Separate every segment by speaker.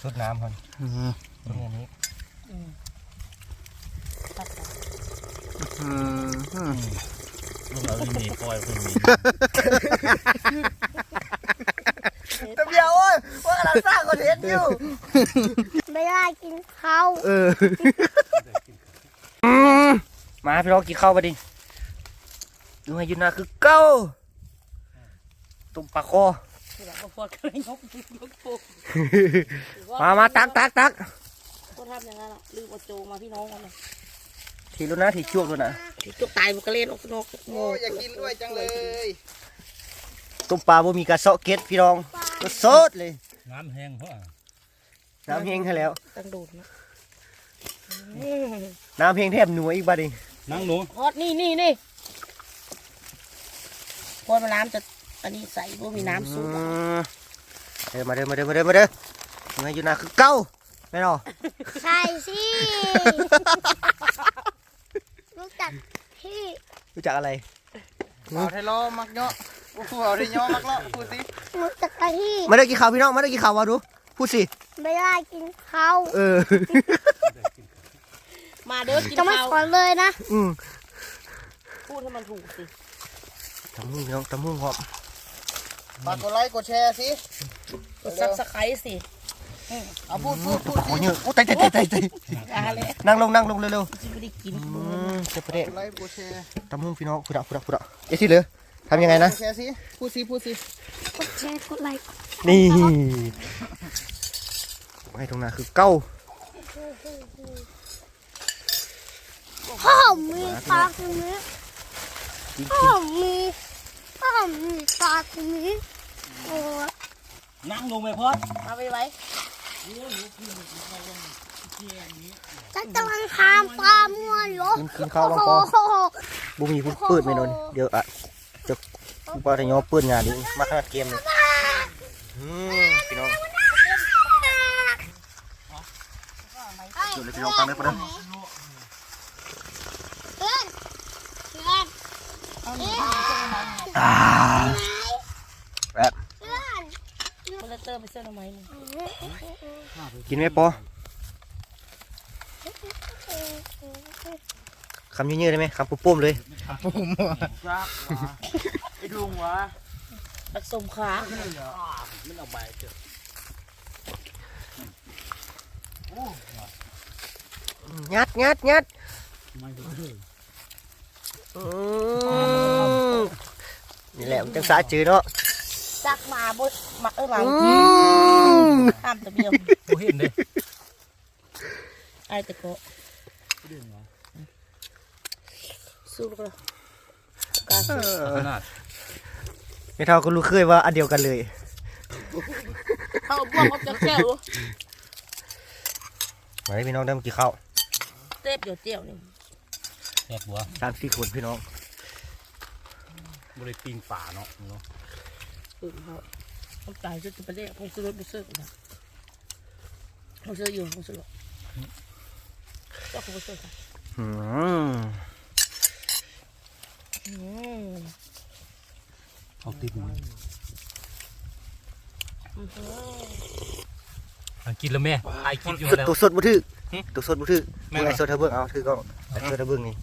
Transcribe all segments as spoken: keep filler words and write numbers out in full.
Speaker 1: สดน้ำคนตรงนี้ลูกเราไม่มีปล่อยไม่มี
Speaker 2: ตะเบียวโอ้ยว่ากำลังสร้างคอนเทนต์อยู่
Speaker 3: ไม่ได้กินข้าว
Speaker 2: เออมาพี่น้องกินข้าวมาดิดูให้ยุนาคือเก้าตุ่มปลาคอมามาตักตักตัก
Speaker 3: ก็ทำอย่างนั้นอ่ะลืมเอาโจมาพี่น้องกันเลย
Speaker 2: ทีรู้นะทีช่วงด้วยนะ
Speaker 3: ทีจุกตายมันก็เล่นออกนอก
Speaker 4: โอ้อยากกินด้วยจังเลย
Speaker 2: ตุ่มปลาบ่มีกระเซาะเก็ดพี่น้องก็สดเลย
Speaker 1: น้ำแห้งเพราะ
Speaker 2: น้ำแห้งให้แล้ว
Speaker 3: ตั้งโดดนะ
Speaker 2: น้ำแห้งแทบหนัวอีกบ้าดิ
Speaker 1: นั่งหนู
Speaker 3: ฮอตนี่นี่นี่พอมาน้ำจะอันนี้ใส่พวกมีน้ำซุป
Speaker 2: เดินมาเดินมาเดินมาเดินมาเดินยังไงอยู่นะคือเก้าไม่หรอ
Speaker 3: ใช่สิรู้จักพี่
Speaker 2: รู้จักอะไร
Speaker 4: เอาไทยล้อมักเนาะโอ้โหเอาไทยย่อมักเนาะพูดสิ
Speaker 3: รู้จักพี่
Speaker 2: มาได้กี่ข่าวพี่น้องมาได้กี่ข่าววะดูพูดสิ
Speaker 3: ไม่ได้กินข้าว
Speaker 2: เออ
Speaker 3: มาเด้อกินข้าวจะไม่สอนเลยนะ
Speaker 2: อืม
Speaker 3: พูดให้มันถูกสิ
Speaker 2: ตำมุ่งน้องตำมุ่งหอม
Speaker 4: ฝากกดไลค์กดแชร์สิ
Speaker 3: กดซับสไครต์สิ
Speaker 4: เอาพูดพูดพูด
Speaker 2: โอ้ยเยอะโอ้ยตายตายตายตายนั่งลงนั่งลงเร็ว
Speaker 3: ๆไม่ได้กิน
Speaker 2: เจ็บประเดี๋ยว
Speaker 4: ไลค์กดแชร์
Speaker 2: ตำมุ่งพี่น้องพุดะพุดะพุดะเอ๊ะที่เหลือทำยังไงนะ
Speaker 4: แชร์สิพูดสิพูดสิ
Speaker 3: กดแชร์กดไลค์
Speaker 2: นี่ให้ตรงนั้นคือเก้า
Speaker 3: พ่อมีปลาตรงนี้พ่อมีพ่อมีปลาตรงนี้โอ้
Speaker 1: นั่งลงไปพอด
Speaker 3: เอาไปไว้ฉันกำลังทำปลามัวอยู่
Speaker 2: กินข้าวลงคอบุมีพูดปืดไม่โดนเดี๋ยวอะจะปลาทะยอปืดงานนี้มาขนาดเกมเลยพี่น้องจุดเลยพี่น้องฟังได้ปะเนี่ยแบบ
Speaker 3: เติมไปเส้นทำไม
Speaker 2: กินไหมปอคำยืดๆได้ไหมคำปุ่มๆเลย
Speaker 4: คำปุ่มไอ้ดวงวะ
Speaker 3: ผสมขา
Speaker 1: มันเอาใบเจ
Speaker 2: อยัดยัดยัดนี่แหละมันจังสาจืดเนาะ
Speaker 3: ซักมาบุษมาเออหลังห้ามตะเบียว
Speaker 1: โอ้เห็นเลย
Speaker 3: ไอ้ตะโกสู้กันกาสู้
Speaker 1: ขนาด
Speaker 2: ไม่เท่าก็รู้เคยว่าอันเดียวกันเลย
Speaker 3: เขาบอกเขาจะแก้ว
Speaker 2: มาให้พี่น้องได้มากี่ข้าว
Speaker 3: เต็บเดี๋ยวเจียวนี่
Speaker 1: แซ่บบัว
Speaker 2: สามสี่คนพี่น้อง
Speaker 1: บริปีนป่าเนาะเนาะ
Speaker 3: อืมเขาเขาตายจะจะไปเรียกเขาซื้อรถไปซื้อกันเขาซื้ออยู่เขาซื้อเจ้าเขาไปซื้อกัน
Speaker 2: อืม
Speaker 3: อืม
Speaker 1: เอาติดมันกินแล้วแม่ไอกินอยู่แล้ว
Speaker 2: ตัวสดบุตรตัวสดบุตรมึงไอสดเธอเบิ้งเอาถือก็ไอสดเธอเบิ้งนี่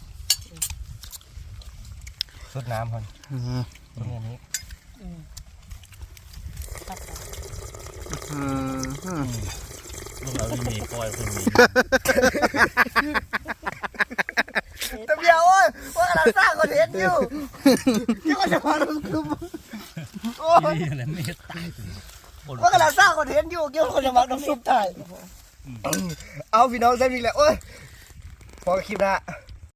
Speaker 2: สดน้ำคนตรงนี้
Speaker 1: ลูกเราไม่มีปล่อยไม่มี
Speaker 2: ตะเบียวโอ้ยว่ากำลังสร้างคอนเทนต์อยู่ที่ว่าจะมาดูคือโอ้ย
Speaker 1: อะไรไม่ตาย
Speaker 2: ว่ากำลังสร้างคอนเทนต์อยู่เกี่ยวกับคนจะมาน้ำซุปไทยเอาพี่น้องเส้นนี้แหละโอ้ยพอคลิปนะ